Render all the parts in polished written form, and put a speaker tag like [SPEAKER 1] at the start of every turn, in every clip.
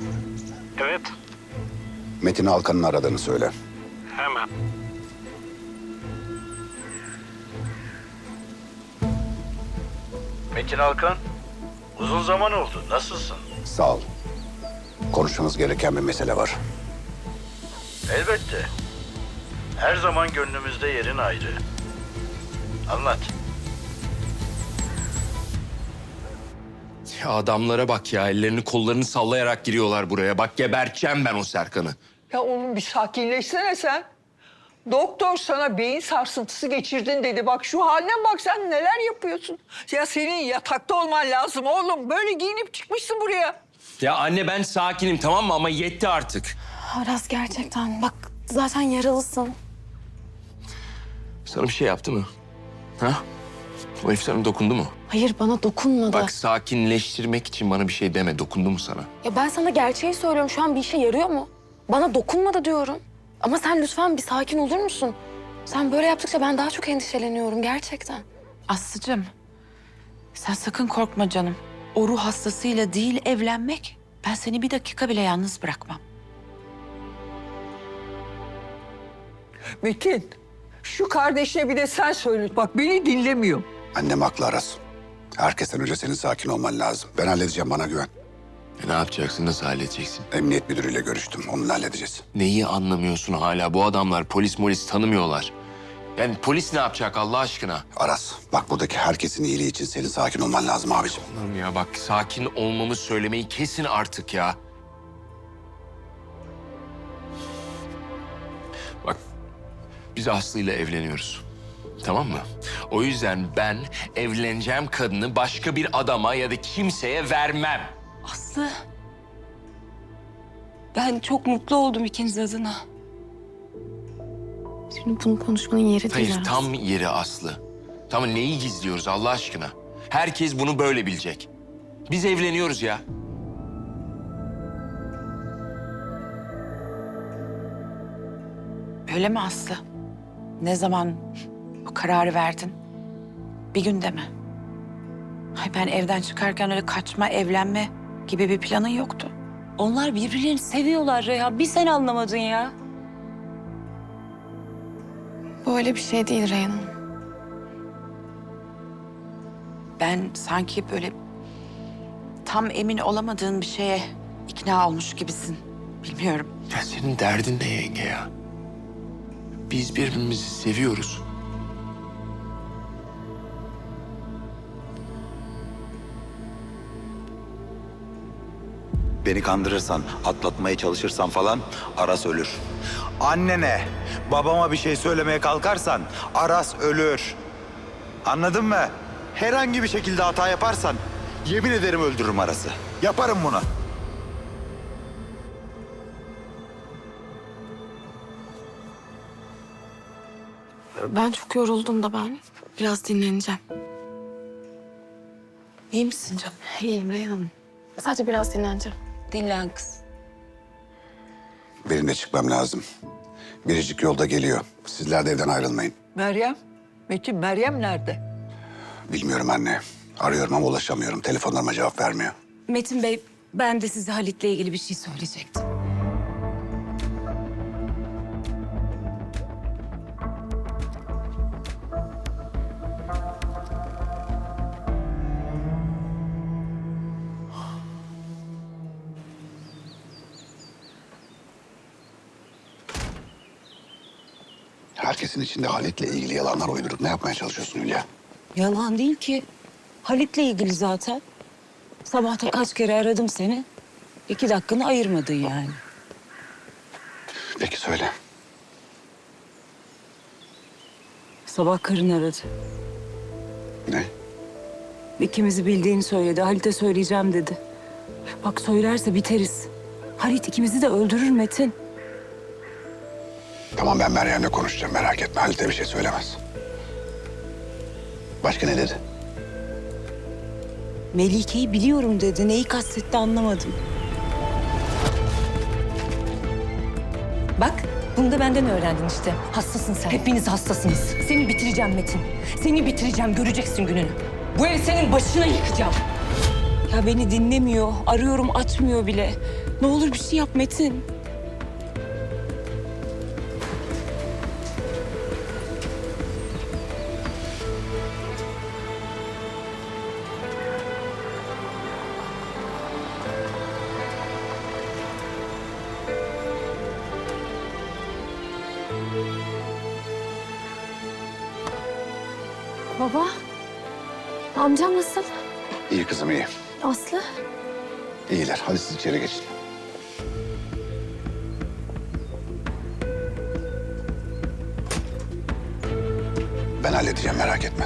[SPEAKER 1] Evet,
[SPEAKER 2] Metin Alkan'ın aradığını söyle.
[SPEAKER 1] hemen.
[SPEAKER 3] Metin Alkan, uzun zaman oldu. Nasılsın?
[SPEAKER 2] Sağ ol. Konuşmamız gereken bir mesele var.
[SPEAKER 3] Elbette. Her zaman gönlümüzde yerin ayrı. Anlat.
[SPEAKER 4] Ya adamlara bak ya, ellerini kollarını sallayarak giriyorlar buraya. Bak geberteceğim ben o Serkan'ı.
[SPEAKER 5] Ya oğlum bir sakinleşsene sen. Doktor sana beyin sarsıntısı geçirdin dedi. Bak şu haline bak, sen neler yapıyorsun. Ya senin yatakta olman lazım oğlum. Böyle giyinip çıkmışsın buraya.
[SPEAKER 4] Ya anne ben sakinim tamam mı ama yetti artık.
[SPEAKER 6] Aras gerçekten bak zaten yaralısın.
[SPEAKER 4] Sana bir şey yaptı mı? Ha? O herif sana dokundu mu?
[SPEAKER 6] Hayır bana dokunmadı.
[SPEAKER 4] Bak sakinleştirmek için bana bir şey deme. Dokundu mu sana?
[SPEAKER 6] Ya ben sana gerçeği söylüyorum, şu an bir işe yarıyor mu? Bana dokunmadı diyorum. Ama sen lütfen bir sakin olur musun? Sen böyle yaptıkça ben daha çok endişeleniyorum gerçekten.
[SPEAKER 7] Aslıcığım, sen sakın korkma canım. O ruh hastasıyla değil evlenmek. Ben seni bir dakika bile yalnız bırakmam.
[SPEAKER 5] Metin, şu kardeşine bir de sen söyle. Bak beni dinlemiyor.
[SPEAKER 2] Annem haklı Aras. Herkesten önce senin sakin olman lazım. Ben halledeceğim, bana güven.
[SPEAKER 4] Ne yapacaksın? Nasıl halledeceksin?
[SPEAKER 2] Emniyet müdürüyle görüştüm. Onunla halledeceğiz.
[SPEAKER 4] Neyi anlamıyorsun hala? Bu adamlar polis tanımıyorlar. Yani polis ne yapacak Allah aşkına?
[SPEAKER 2] Aras, bak buradaki herkesin iyiliği için senin sakin olman lazım abiciğim.
[SPEAKER 4] Oğlum ya bak sakin olmamı söylemeyi kesin artık ya. Bak biz Aslı'yla evleniyoruz. Tamam mı? O yüzden ben evleneceğim kadını başka bir adama ya da kimseye vermem.
[SPEAKER 7] Aslı, ben çok mutlu oldum ikiniz adına.
[SPEAKER 6] Şimdi bunu konuşmanın yeri değil
[SPEAKER 4] Hayır
[SPEAKER 6] Aras.
[SPEAKER 4] tam yeri Aslı. Tamam neyi gizliyoruz Allah aşkına? Herkes bunu böyle bilecek. Biz evleniyoruz ya.
[SPEAKER 7] Öyle mi Aslı? Ne zaman bu kararı verdin? Bir günde mi? Ay ben evden çıkarken öyle kaçma, evlenme gibi bir planın yoktu.
[SPEAKER 8] Onlar birbirlerini seviyorlar Reyhan. Bir sen anlamadın ya.
[SPEAKER 6] Böyle bir şey değil Reyhan.
[SPEAKER 7] Ben sanki böyle tam emin olamadığın bir şeye ikna olmuş gibisin. Bilmiyorum.
[SPEAKER 4] Ya senin derdin ne yenge ya? Biz birbirimizi seviyoruz.
[SPEAKER 9] Beni kandırırsan, atlatmaya çalışırsan falan Aras ölür. Annene, babama bir şey söylemeye kalkarsan Aras ölür. Anladın mı? Herhangi bir şekilde hata yaparsan yemin ederim öldürürüm Aras'ı. Yaparım bunu.
[SPEAKER 6] Ben çok yoruldum da ben biraz dinleneceğim.
[SPEAKER 7] İyi misin canım?
[SPEAKER 6] İyiyim Reyhan. Sadece biraz dinleneceğim.
[SPEAKER 8] Dinlen kız.
[SPEAKER 2] Benim de çıkmam lazım. Biricik yolda geliyor. Sizler de evden ayrılmayın.
[SPEAKER 5] Meryem, Metin, Meryem nerede?
[SPEAKER 2] Bilmiyorum anne. Arıyorum ama ulaşamıyorum. Telefonlarıma cevap vermiyor.
[SPEAKER 8] Metin Bey, ben de size Halit'le ilgili bir şey söyleyecektim.
[SPEAKER 2] Herkesin içinde Halit'le ilgili yalanlar uydurup ne yapmaya çalışıyorsun Hülya?
[SPEAKER 8] Yalan değil ki. Halit'le ilgili zaten. Sabah da kaç kere aradım seni. 2 dakikanı ayırmadın yani.
[SPEAKER 2] Peki söyle.
[SPEAKER 8] Sabah karın aradı.
[SPEAKER 2] Ne?
[SPEAKER 8] İkimizi bildiğini söyledi. Halit'e söyleyeceğim dedi. Bak söylerse biteriz. Halit ikimizi de öldürür Metin.
[SPEAKER 2] Tamam ben Meryem'le konuşacağım, merak etme. Halit'e bir şey söylemez. Başka ne dedi?
[SPEAKER 8] Melike'yi biliyorum dedi. Neyi kastetti anlamadım. Bak, bunu da benden öğrendin işte. Hastasın sen. Hepiniz hastasınız. Seni bitireceğim Metin. Seni bitireceğim, göreceksin gününü. Bu evi senin başına yıkacağım. Ya beni dinlemiyor. Arıyorum açmıyor bile. Ne olur bir şey yap Metin.
[SPEAKER 6] Baba, amcam nasıl?
[SPEAKER 2] İyi kızım iyi.
[SPEAKER 6] Aslı?
[SPEAKER 2] İyiler. Hadi siz içeri geçin. Ben halledeceğim merak etme.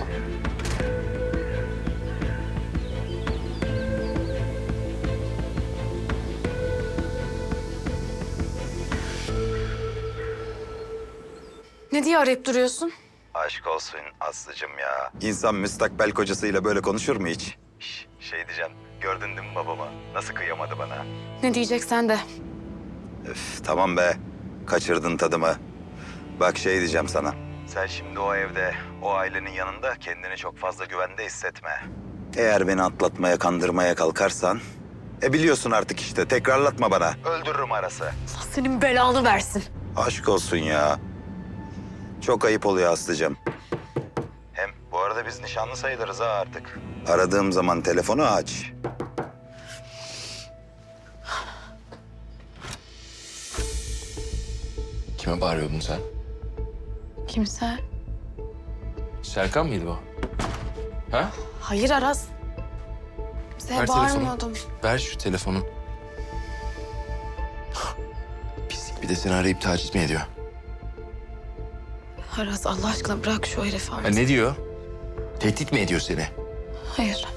[SPEAKER 6] Ne diye arayıp duruyorsun?
[SPEAKER 9] Aşk olsun Aslı'cım ya. İnsan müstakbel kocasıyla böyle konuşur mu hiç? Şey diyeceğim, gördün değil mi babama? Nasıl kıyamadı bana?
[SPEAKER 6] Ne diyeceksen de.
[SPEAKER 9] Üf, tamam be, kaçırdın tadımı. Bak şey diyeceğim sana. Sen şimdi o evde, o ailenin yanında kendini çok fazla güvende hissetme. Eğer beni atlatmaya, kandırmaya kalkarsan... biliyorsun artık işte, tekrarlatma bana. Öldürürüm Aras'ı.
[SPEAKER 6] Allah senin belanı versin.
[SPEAKER 9] Aşk olsun ya. Çok ayıp oluyor Aslı'cığım. Hem bu arada biz nişanlı sayılırız ha artık. Aradığım zaman telefonu aç.
[SPEAKER 4] Kime bağırıyordun sen?
[SPEAKER 6] Kimse.
[SPEAKER 4] Serkan mıydı o? Ha?
[SPEAKER 6] Hayır Aras. Kimseye
[SPEAKER 4] Ver telefonu.
[SPEAKER 6] bağırmıyordum.
[SPEAKER 4] Ver şu telefonu. Pislik, bir de seni arayıp taciz mi ediyor?
[SPEAKER 6] Aras Allah aşkına bırak şu herifi
[SPEAKER 4] Ha,
[SPEAKER 6] artık.
[SPEAKER 4] ne diyor? Tehdit mi ediyor seni?
[SPEAKER 6] Hayır.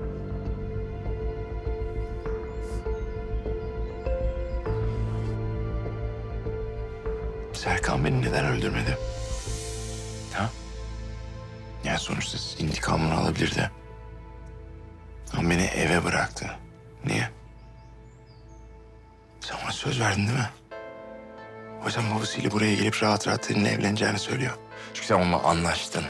[SPEAKER 4] Serkan beni neden öldürmedi? Ha? Yani sonuçta intikamını alabilirdi. Ama beni eve bıraktı. Niye? Sen ona söz verdin değil mi? O yüzden babasıyla buraya gelip rahat rahat seninle evleneceğini söylüyor. Çünkü sen onunla anlaştın.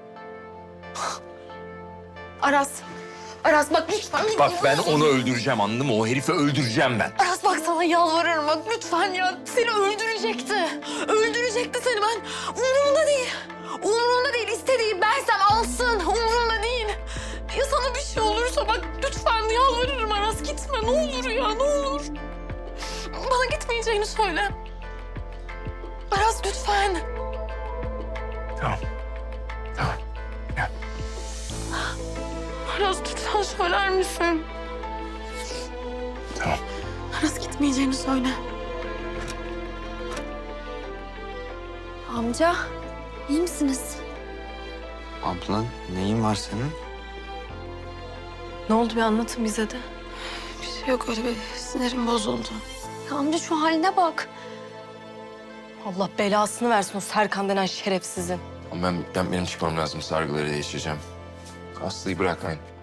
[SPEAKER 6] Aras. Aras bak lütfen.
[SPEAKER 4] Bak ben onu öldüreceğim, anladın mı? O herifi öldüreceğim ben.
[SPEAKER 6] Aras bak sana yalvarırım bak lütfen ya. Seni öldürecekti. Öldürecekti seni ben. Umurumda değil. Umurumda değil. İstediği bersem alsın. Umurumda değil. Ya sana bir şey olursa bak lütfen yalvarırım Aras gitme. Ne olur ya ne olur. Bana gitmeyeceğini söyle. Aras lütfen.
[SPEAKER 4] Tamam. Tamam. Gel.
[SPEAKER 6] Aras lütfen söyler misin?
[SPEAKER 4] Tamam.
[SPEAKER 6] Aras gitmeyeceğini söyle. Amca, iyi misiniz?
[SPEAKER 1] Ablan neyin var senin?
[SPEAKER 6] Ne oldu bir anlatın bize de. Bir şey yok öyle bir sinirim bozuldu. Ya amca şu haline bak. Allah belasını versin o Serkan denen şerefsizin.
[SPEAKER 4] Ama benim çıkmam lazım. Sargıları değiştireceğim. Aslı'yı bırakmayın.